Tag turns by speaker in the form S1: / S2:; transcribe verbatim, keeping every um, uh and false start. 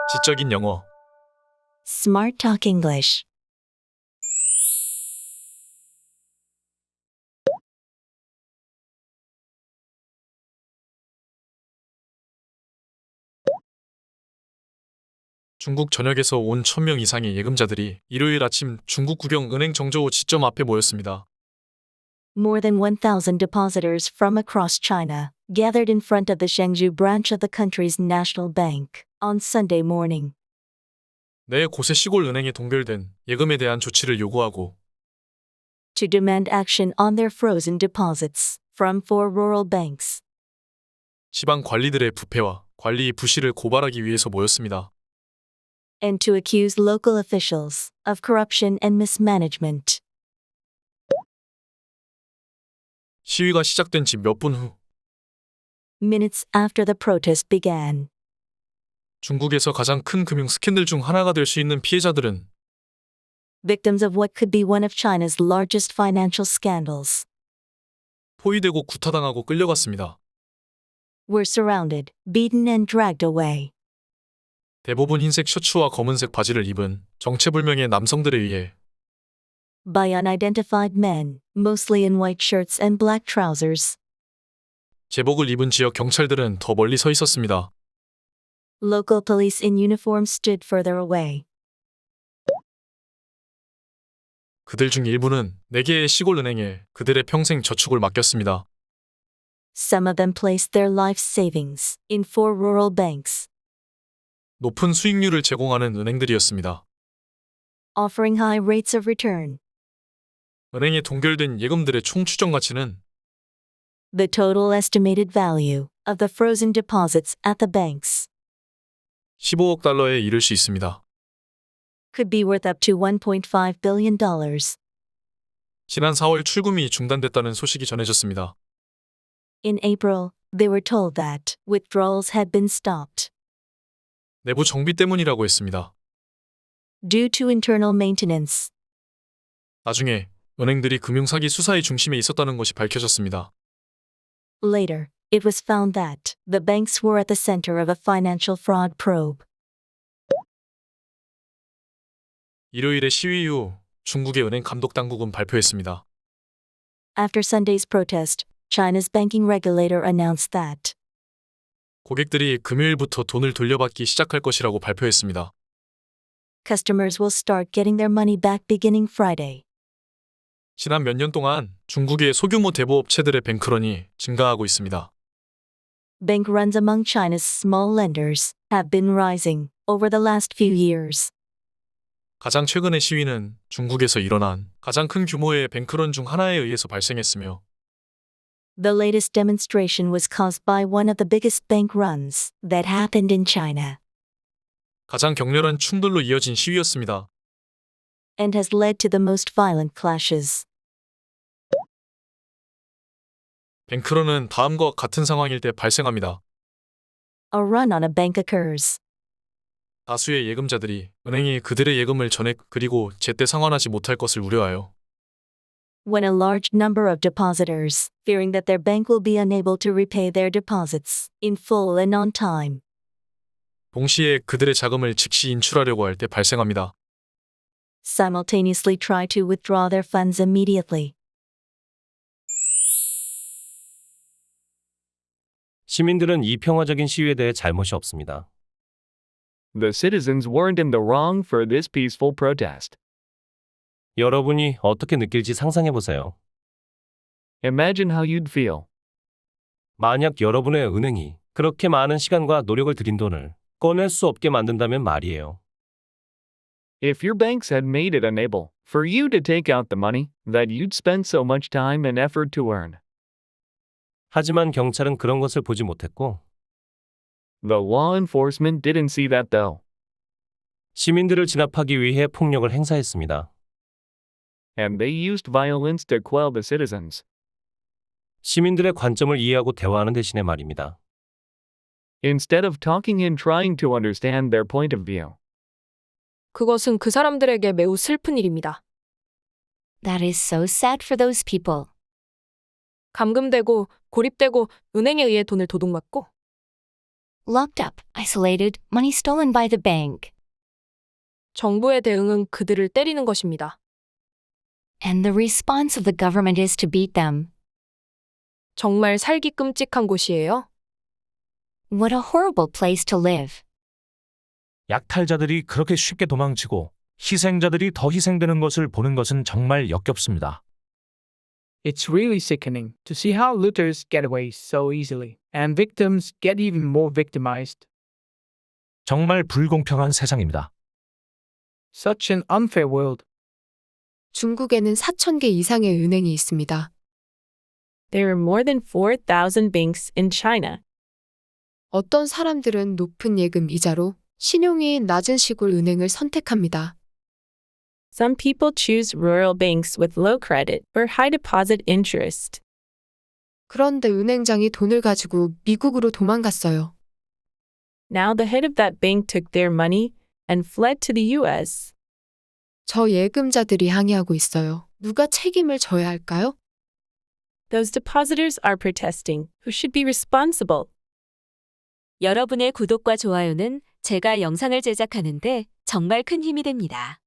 S1: 지적인 영어.
S2: Smart Talk English.
S1: 중국 전역에서 온 천 명 이상의 예금자들이 일요일 아침 중국 국영 은행 정저우 지점 앞에 모였습니다.
S2: More than one thousand depositors from across China gathered in front of the Shenzhou branch of the country's national bank on Sunday morning
S1: 내 곳의 시골 은행에 동결된 예금에 대한 조치를 요구하고
S2: to demand action on their frozen deposits from four rural banks
S1: 지방 관리들의 부패와 관리 부실을 고발하기 위해서 모였습니다.
S2: and to accuse local officials of corruption and mismanagement.
S1: 시위가 시작된 지 몇 분 후
S2: Minutes after the protest began,
S1: 중국에서 가장 큰 금융 스캔들 중 하나가 될 수 있는 피해자들은
S2: victims of what could be one of China's largest financial scandals
S1: 포위되고 구타당하고 끌려갔습니다.
S2: were surrounded, beaten and dragged away
S1: 대부분 흰색 셔츠와 검은색 바지를 입은 정체불명의 남성들에 의해
S2: by unidentified men, mostly in white shirts and black trousers.
S1: 제복을 입은 지역 경찰들은 더 멀리 서 있었습니다.
S2: Local police in uniform stood further away.
S1: 그들 중 일부는 네 개의 시골 은행에 그들의 평생 저축을 맡겼습니다.
S2: Some of them placed their life savings in four rural banks,
S1: 높은 수익률을 제공하는 은행들이었습니다.
S2: offering high rates of return.
S1: 은행에 동결된 예금들의 총 추정 가치는
S2: The total estimated value of the frozen deposits at the banks
S1: 십오억 달러에 이를 수 있습니다.
S2: could be worth up to one point five billion dollars.
S1: 지난 사월 출금이 중단됐다는 소식이 전해졌습니다.
S2: In April, they were told that withdrawals had been stopped
S1: 내부 정비 때문이라고 했습니다.
S2: due to internal maintenance.
S1: 나중에 은행들이 금융사기 수사의 중심에 있었다는 것이 밝혀졌습니다.
S2: Later, it was found that the banks were at the center of a financial fraud probe.
S1: 일요일의 시위 후 중국의 은행 감독 당국은 발표했습니다.
S2: After Sunday's protest, China's banking regulator announced that
S1: 고객들이 금요일부터 돈을 돌려받기 시작할 것이라고 발표했습니다.
S2: customers will start getting their money back beginning Friday.
S1: 지난 몇 년 동안 중국의 소규모 대부업체들의 뱅크런이 증가하고 있습니다.
S2: Bank runs among China's small lenders have been rising over the last few years.
S1: 가장 최근의 시위는 중국에서 일어난 가장 큰 규모의 뱅크런 중 하나에 의해서 발생했으며
S2: The latest demonstration was caused by one of the biggest bank runs that happened in China
S1: 가장 격렬한 충돌로 이어진 시위였습니다.
S2: and has led to the most violent clashes.
S1: 뱅크런은 다음과 같은 상황일 때 발생합니다.
S2: A run on a bank occurs
S1: 다수의 예금자들이 은행이 그들의 예금을 전액 그리고 제때 상환하지 못할 것을 우려하여
S2: when a large number of depositors, fearing that their bank will be unable to repay their deposits in full and on time,
S1: 동시에 그들의 자금을 즉시 인출하려고 할 때 발생합니다.
S2: simultaneously try to withdraw their funds immediately.
S3: 시민들은 이 평화적인 시위에 대해 잘못이 없습니다.
S4: The citizens weren't in the wrong for this peaceful protest.
S3: 여러분이 어떻게 느낄지 상상해 보세요.
S4: Imagine how you'd feel
S3: 만약 여러분의 은행이 그렇게 많은 시간과 노력을 들인 돈을 꺼낼 수 없게 만든다면 말이에요.
S4: if your banks had made it unable for you to take out the money that you'd spent so much time and effort to earn.
S3: 하지만 경찰은 그런 것을 보지 못했고
S4: The law enforcement didn't see that though,
S3: 시민들을 진압하기 위해 폭력을 행사했습니다.
S4: and they used violence to quell the citizens.
S3: 시민들의 관점을 이해하고 대화하는 대신에 말입니다.
S4: Instead of talking and trying to understand their point of view.
S5: 그것은 그 사람들에게 매우 슬픈 일입니다.
S6: That is so sad for those people.
S5: 감금되고 고립되고 은행에 의해 돈을 도둑맞고
S6: Locked up, isolated, money stolen by the bank.
S5: 정부의 대응은 그들을 때리는 것입니다.
S6: And the response of the government is to beat them.
S5: 정말 살기 끔찍한 곳이에요.
S6: What a horrible place to live.
S7: 약탈자들이 그렇게 쉽게 도망치고 희생자들이 더 희생되는 것을 보는 것은 정말 역겹습니다.
S8: It's really sickening to see how looters get away so easily, and victims get even more victimized.
S7: 정말 불공평한 세상입니다.
S8: Such an unfair world.
S9: 중국에는 사천 개 이상의 은행이 있습니다.
S10: There are more than four thousand banks in China.
S9: 어떤 사람들은 높은 예금 이자로 신용이 낮은 시골 은행을 선택합니다.
S10: Some people choose rural banks with low credit or high deposit interest.
S9: 그런데 은행장이 돈을 가지고 미국으로 도망갔어요.
S10: Now the head of that bank took their money and fled to the U S.
S9: 저 예금자들이 항의하고 있어요. 누가 책임을 져야 할까요?
S10: Those depositors are protesting. Who should be responsible?
S11: 여러분의 구독과 좋아요는 제가 영상을 제작하는데 정말 큰 힘이 됩니다.